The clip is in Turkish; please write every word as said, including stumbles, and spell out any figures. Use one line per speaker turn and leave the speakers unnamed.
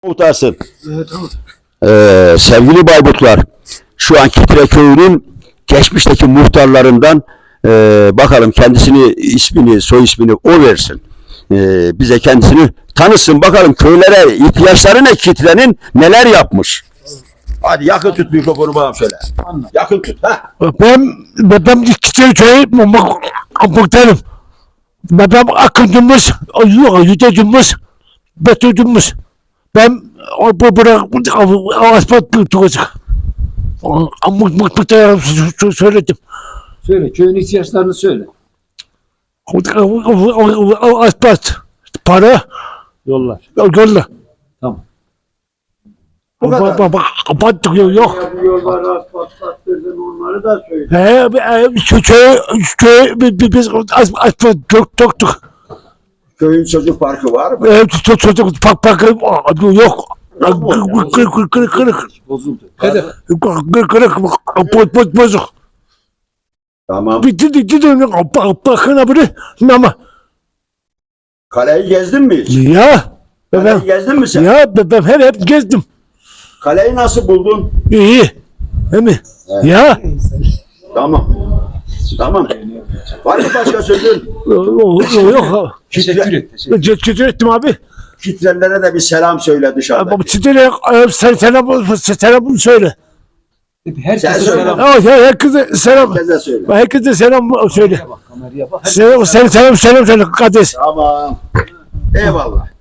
Muhtarsın.
Evet, tamam.
Ee, sevgili Bayburtlar, şu an Kitre Köyü'nün geçmişteki muhtarlarından e, bakalım kendisini, ismini, soy ismini o versin. E, bize kendisini tanısın, bakalım köylere ihtiyaçları ne, Kitre'nin neler yapmış. Hadi yakın tut mikrofonu bana söyle. Yakın tut. Ha.
Ben, ben Kitre Köyü muhtarım. Ben akıncımız, yüzecimiz, betöcümüz. Ben bu bırak asfalt tutacak. Muhtarım söyledim.
Söyle, köyün ihtiyaçlarını söyle.
Asfalt, para,
Yollar.
yolla.
Tamam.
Bu kadar.
Bak, bak, bak, yok.
Yolları asfaltlattırdın, onları da söyle.
He, şu köy, köy, biz asfalt döktük.
Köyün çocuk parkı var mı?
Evet, çocuk pak pak yok. Kırık kırık kırık.
Bozuldu.
Hadi.
Kırık kırık boz boz bozuk.
Tamam.
Bitti bitti de bakın abi ama
Kaleyi gezdin mi hiç?
ya
Kaleyi
ben
gezdin mi sen?
ya ben hep hep gezdim.
Kaleyi nasıl buldun?
İyi. Değil mi?
Evet.
Ya
Tamam. Tamam. Var mı başka sözün?
yok.
Teşekkür et. Teşekkür.
Teşekkür ettim abi.
Kitlelere de bir selam söyle dışarıda.
Ama sizlere sen selam selam söyle.
Herkese
Sen söyle.
selam.
Evet, herkese selam.
Herkese söyle.
Herkese selam söyle.
Bak kameraya bak.
Selam selam selam selam kardeş.
Tamam. Eyvallah.